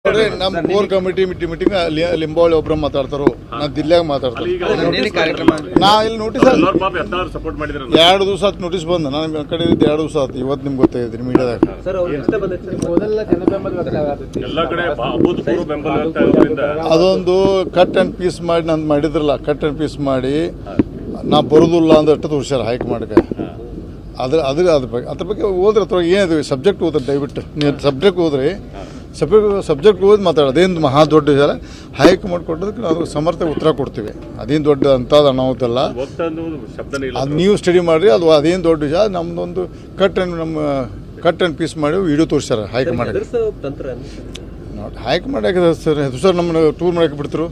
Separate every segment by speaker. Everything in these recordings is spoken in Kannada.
Speaker 1: ನಮ್ಮ ಕೋರ್ ಕಮಿಟಿ ಮೀಟಿಂಗ್ ಲಿಂಬಾವಳಿ ಒಬ್ಬರು ಮಾತಾಡ್ತಾರೋ, ನಾ ದಿಲ್ಲಾಗ ಮಾತಾಡ್ತಾರೆ. ನಾ ಇಲ್ಲಿ ನೋಟಿಸ್ 2 ದಿವಸ ಆಯ್ತು ನೋಟಿಸ್ ಬಂದ. ನಾನು ಕಡೆ 2 ದಿವಸ ಆಯ್ತು. ಇವತ್ತು ನಿಮ್ಗೆ ಗೊತ್ತಾಗಿದ್ರಿ ಮೀಡಿಯಾದಾಗ. ಅದೊಂದು ಕಟ್ ಅಂಡ್ ಪೀಸ್ ಮಾಡಿ ನಂದು ಮಾಡಿದ್ರಲ್ಲ, ಕಟ್ ಅಂಡ್ ಪೀಸ್ ಮಾಡಿ ನಾ ಬರೋದಿಲ್ಲ ಅಂದಷ್ಟು ತೋರಿಸ್ಯಾರ ಹೈಕಮಾಂಡ್ಗೆ. ಅದ್ರ ಬಗ್ಗೆ ಹೋದ್ರೆ ಅಥವಾ ಏನಿದೆ ಸಬ್ಜೆಕ್ಟ್ ಓದ್ರಿ, ದಯವಿಟ್ಟು ನೀವು ಸಬ್ಜೆಕ್ಟ್ ಓದ್ರಿ. ಸಬ್ಜೆಕ್ಟ್ ಓದಿ ಮಾತಾಡೋದು ಅದೇನು ಮಹಾ ದೊಡ್ಡ ವಿಚಾರ. ಹೈಕಮಾಂಡ್ ಕೊಟ್ಟದಕ್ಕೆ ನಾವು ಸಮರ್ಥ ಉತ್ತರ ಕೊಡ್ತೀವಿ. ಅದೇನು ದೊಡ್ಡ ಅಂಥದ್ದು ಅನಾಹುತಲ್ಲ. ಅದು ನೀವು ಸ್ಟಡಿ ಮಾಡಿರಿ. ಅದು ಅದೇನು ದೊಡ್ಡ ವಿಚಾರ. ನಮ್ಮದೊಂದು ಕಟ್ ಆ್ಯಂಡ್ ಪೀಸ್ ಮಾಡಿ ವಿಡಿಯೋ ತೋರಿಸ್ಯಾರ ಹೈಕಮಾಂಡ್. ಹೈಕಮಾಂಡ್ ಯಾಕೆ ಸರ್ ಸರ್ ನಮ್ಮನ್ನು ಟೂರ್ ಮಾಡಕ್ಕೆ ಬಿಡ್ತರು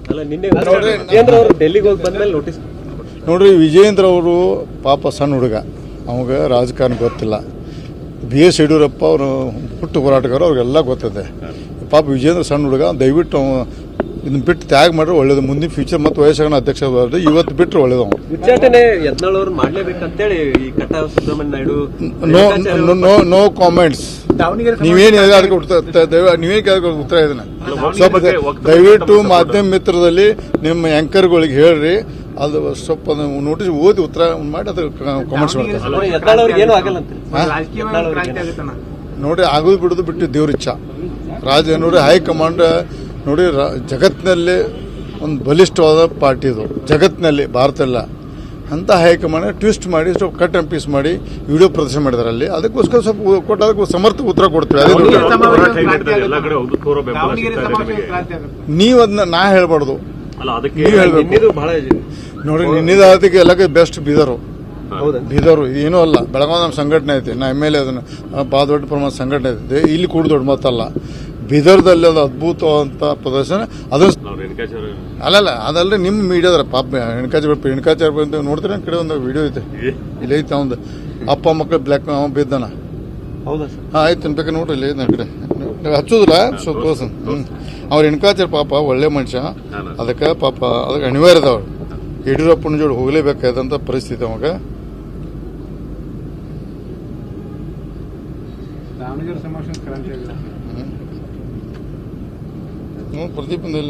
Speaker 1: ನೋಡ್ರಿ. ವಿಜೇಂದ್ರ ಅವರು ಪಾಪ ಸಣ್ಣ ಹುಡುಗ, ಅವಾಗ ರಾಜಕಾರಣ ಗೊತ್ತಿಲ್ಲ. BS ಯಡಿಯೂರಪ್ಪ ಅವರು ಹುಟ್ಟು ಹೋರಾಟಗಾರ, ಅವ್ರಿಗೆಲ್ಲ ಗೊತ್ತಿದೆ. ಪಾಪ ವಿಜೇಂದ್ರ ಸಣ್ಣ ಹುಡುಗ, ದಯವಿಟ್ಟು ಇದನ್ನ ಬಿಟ್ಟು ತ್ಯಾಗ ಮಾಡ್ರೆ ಒಳ್ಳೇದು. ಮುಂದಿನ ಫ್ಯೂಚರ್ ಮತ್ತು ವಯಸ್ಸಾಗ ಅಧ್ಯಕ್ಷ ಇವತ್ತು ಬಿಟ್ಟರೆ ಒಳ್ಳೇದು. No comments. ನೀವೇನು ಅದಕ್ಕೆ ಉತ್ತರ ಇದನ್ನ ಸ್ವಲ್ಪ ದಯವಿಟ್ಟು ಮಾಧ್ಯಮ ಮಿತ್ರದಲ್ಲಿ ನಿಮ್ಮ ಆ್ಯಂಕರ್ಗಳಿಗೆ ಹೇಳ್ರಿ. ಅದು ಸ್ವಲ್ಪ ನೋಟಿಸ್ ಓದಿ ಉತ್ತರ ಮಾಡಿ ಅದು ಕಾಮೆಂಟ್ಸ್ ಮಾಡ್ತಾರೆ. ನೋಡಿ, ಆಗೋದು ಬಿಡೋದು ಬಿಟ್ಟು ದೇವ್ರಿಚ್ಛ. ನೋಡಿ ಹೈಕಮಾಂಡ್ ನೋಡಿ ಜಗತ್ತಿನಲ್ಲಿ ಒಂದು ಬಲಿಷ್ಠವಾದ ಪಾರ್ಟಿ ಇದು, ಜಗತ್ತಿನಲ್ಲಿ, ಭಾರತ ಎಲ್ಲ. ಅಂತ ಹೈಕಮಾಂಡ್ ಟ್ವಿಸ್ಟ್ ಮಾಡಿ ಸ್ವಲ್ಪ ಕಟ್ ಅಂಡ್ ಪೀಸ್ ಮಾಡಿ ವಿಡಿಯೋ ಪ್ರದರ್ಶನ ಮಾಡಿದಾರೆ ಅಲ್ಲಿ. ಅದಕ್ಕೋಸ್ಕರ ಸ್ವಲ್ಪ ಕೊಟ್ಟು ಅದಕ್ಕೆ ಸಮರ್ಥ ಉತ್ತರ ಕೊಡ್ತೀವಿ. ನೀವು ಅದನ್ನ ನಾ ಹೇಳ್ಬಾರ್ದು, ನೀವು ಹೇಳ್ಬೇಕು. ನೋಡಿ, ನಿನ್ನಿದಾತಿಗೆ ಎಲ್ಲಕ್ಕೆ ಬೆಸ್ಟ್ ಬೀದರು. ಏನೂ ಅಲ್ಲ. ಬೆಳಗಾವಿ ನಮ್ಮ ಸಂಘಟನೆ ಐತಿ. ನಾ MLA ಅದನ್ನು ಭಾಳ ದೊಡ್ಡ ಪ್ರಮಾಣದ ಸಂಘಟನೆ ಐತಿ. ಇಲ್ಲಿ ಕೂಡ ದೊಡ್ಡ ಮಾತಲ್ಲ. ಬೀದರ್ದಲ್ಲಿ ಅದು ಅದ್ಭುತವಾದಂಥ ಪ್ರದರ್ಶನ. ಅಲ್ಲಲ್ಲ, ಅದಲ್ಲದೆ ನಿಮ್ಮ ಮೀಡಿಯಾದ್ರ ಪಾಪ ಹೆಣ್ಕಾಚಾರ ಬಂದು ನೋಡ್ತೀರಿ. ನನ್ನ ಕಡೆ ಒಂದು ವಿಡಿಯೋ ಐತೆ, ಇಲ್ಲಿ ಐತೆ. ಒಂದು ಅಪ್ಪ ಮಕ್ಕಳು ಬ್ಲ್ಯಾಕ್ ಬಿದ್ದಾನ. ಹಾಂ, ಆಯ್ತು ಅನ್ಬೇಕು ನೋಡ್ರಿ. ಇಲ್ಲಿ ನನ್ನ ಕಡೆ ಹಚ್ಚೋದಿಲ್ಲ ಸ್ವಲ್ಪ ತೋರ್ಸ. ಅವ್ರ ಹೆಣ್ಕಾಚಾರ ಪಾಪ ಒಳ್ಳೆ ಮನುಷ್ಯ. ಅದಕ್ಕೆ ಪಾಪ ಅದಕ್ಕೆ ಅನಿವಾರ್ಯ ಅದಾವ. ಯಡಿಯೂರಪ್ಪನ ಜೋಡಿ ಹೋಗಲೇಬೇಕಾದಂಥ ಪರಿಸ್ಥಿತಿ ಅವಾಗ. ಪ್ರದೀಪ್ ಬಂದಿಲ್ಲ.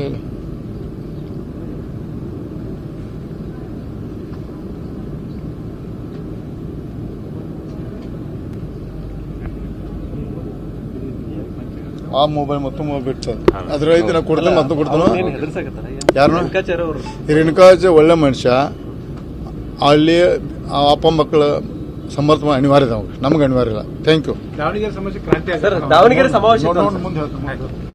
Speaker 1: ಆ ಮೊಬೈಲ್ ಮತ್ತು ಮೊಬೈಲ್ ಬಿಟ್ಟು ಅದ್ರ ಐತಿ. ನಾ ಕೊಡ್ತೇನೆ, ಮತ್ತೆ ಕೊಡ್ತಾನ. ಯಾರು ರೇಣುಕಾಚಾರ್ಯ ಒಳ್ಳೆ ಮನುಷ್ಯ. ಅಲ್ಲಿ ಅಪ್ಪ ಮಕ್ಕಳ ಸಮರ್ಥ ಅನಿವಾರ್ಯ ನಮ್ಗೆ ಅನಿವಾರ್ಯ ಇಲ್ಲ. Thank you.